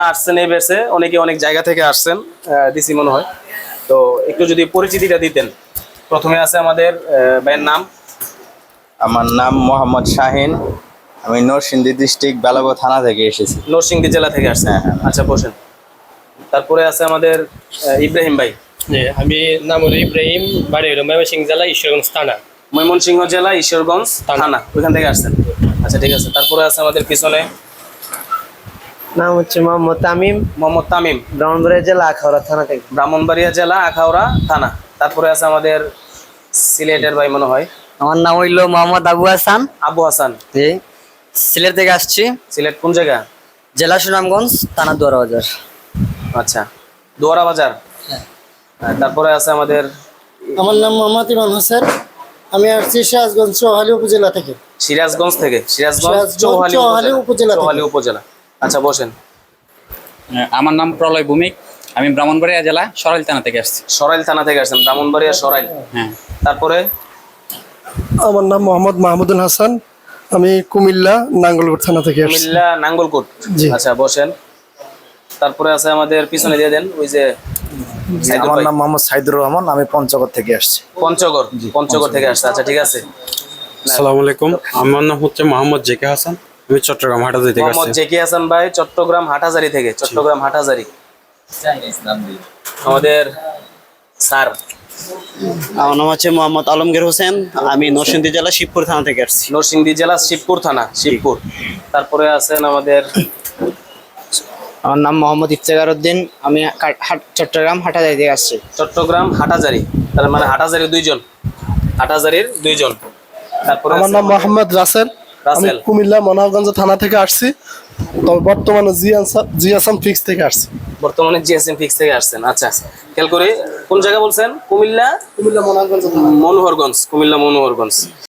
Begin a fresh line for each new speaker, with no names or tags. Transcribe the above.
আসছেন এই বেসে, অনেকে অনেক জায়গা থেকে আসছেন, দিছি মনে হয়। তো একটু যদি পরিচিতিটা দিতেন। প্রথমে আছে আমাদের ভাইয়ের নাম।
আমার নাম মোহাম্মদ শাহিন। আমি নরসিংদী ডিস্ট্রিক্ট বেলাগো থানা থেকে এসেছি।
নরসিংদী জেলা থেকে আসছেন। আচ্ছা, বসেন। তারপরে আছে আমাদের ইব্রাহিম ভাই।
আমি নাম হলো ইব্রাহিম, বাড়ি হলো ময়মনসিংহ জেলা ঈশ্বরগঞ্জ থানা।
ময়মনসিংহ জেলা ঈশ্বরগঞ্জ থানা, ওইখান থেকে আসছেন। আচ্ছা, ঠিক আছে। তারপরে আছে আমাদের পিছনে
নাম হচ্ছে মোহাম্মদ তামিম,
মোহাম্মদ তামিম,
ব্রাহ্মণবাড়িয়া জেলা আখাউড়া থানা থেকে।
ব্রাহ্মণবাড়িয়া জেলা আখাউড়া থানা। তারপরে আছে আমাদের সিলেটের ভাই মনে হয়,
আমার নাম হইল মোহাম্মদ আবু হাসান।
আবু হাসান।
জি, সিলেট থেকে আসছি।
সিলেট কোন জায়গা?
জেলা সুনামগঞ্জ, থানা দুয়ারা বাজার।
আচ্ছা, দোয়ারা বাজার। তারপরে আছে আমাদের
আমার নাম মোহাম্মদ ইমাম হোসেন। আমি আসছি সিরাজগঞ্জ চৌহালি উপজেলা থেকে।
সিরাজগঞ্জ থেকে। সিরাজগঞ্জ
চৌহালি উপজেলা থেকে।
চৌহালি উপজেলা। আচ্ছা, বসেন।
আমার নাম প্রলয় ভৌমিক। আমি ব্রাহ্মণবাড়িয়া জেলা সরাইল থানা থেকে আসছি।
সরাইল থানা থেকে আসছেন, ব্রাহ্মণবাড়িয়া সরাইল।
হ্যাঁ।
তারপরে
আমার নাম মোহাম্মদ মাহমুদুল হাসান। আমি কুমিল্লা নাঙ্গলকোট থানা থেকে আসছি।
কুমিল্লা নাঙ্গলকোট।
জি।
আচ্ছা, বসেন। তারপরে আছে আমাদের পিছনে দিয়ে দেন, ওই যে সাইদুর
আমার
ভাই।
নাম মোহাম্মদ সাইদুর রহমান। আমি পঞ্চগড় থেকে আসছি।
পঞ্চগড়। পঞ্চগড় থেকে আসছে। আচ্ছা, ঠিক আছে।
আসসালামু আলাইকুম, আমার নাম হচ্ছে মোহাম্মদ জেকে হাসান। আমি চট্টগ্রাম হাটাজারি থেকে
মোহাম্মদ
আসছি।
জেকি হাসান ভাই, চট্টগ্রাম হাটাজারি থেকে। চট্টগ্রাম হাটাজারি। আমাদের স্যার।
আমার নাম হচ্ছে মোহাম্মদ আলমগীর হোসেন। আমি নরসিংদী জেলা শিবপুর থানা থেকে আসছি।
নরসিংদী জেলা শিবপুর থানা, শিবপুর। তারপরে আছেন আমাদের
আমার নাম মোহাম্মদ ইফতেখার উদ্দিন। আমি চট্টগ্রাম হাটাজারি থেকে আসছি।
চট্টগ্রাম হাটাজারি। তার মানে হাটাজারি দুইজন, হাটাজারির দুইজন। তারপরে
আমার
আছে
নাম মোহাম্মদ রাসেল। আমি
রাসেল।
কুমিল্লা মনোহরগঞ্জ থানা থেকে আসছি। তবে বর্তমানে জি আসাম ফিক্স থেকে আসছি।
বর্তমানে জিএসএম ফিক্স থেকে আসছেন। আচ্ছা, খেয়াল করে কোন জায়গা বলছেন? কুমিল্লা
কুমিল্লা মনোহরগঞ্জ
মনোহরগঞ্জ। কুমিল্লা মনোহরগঞ্জ।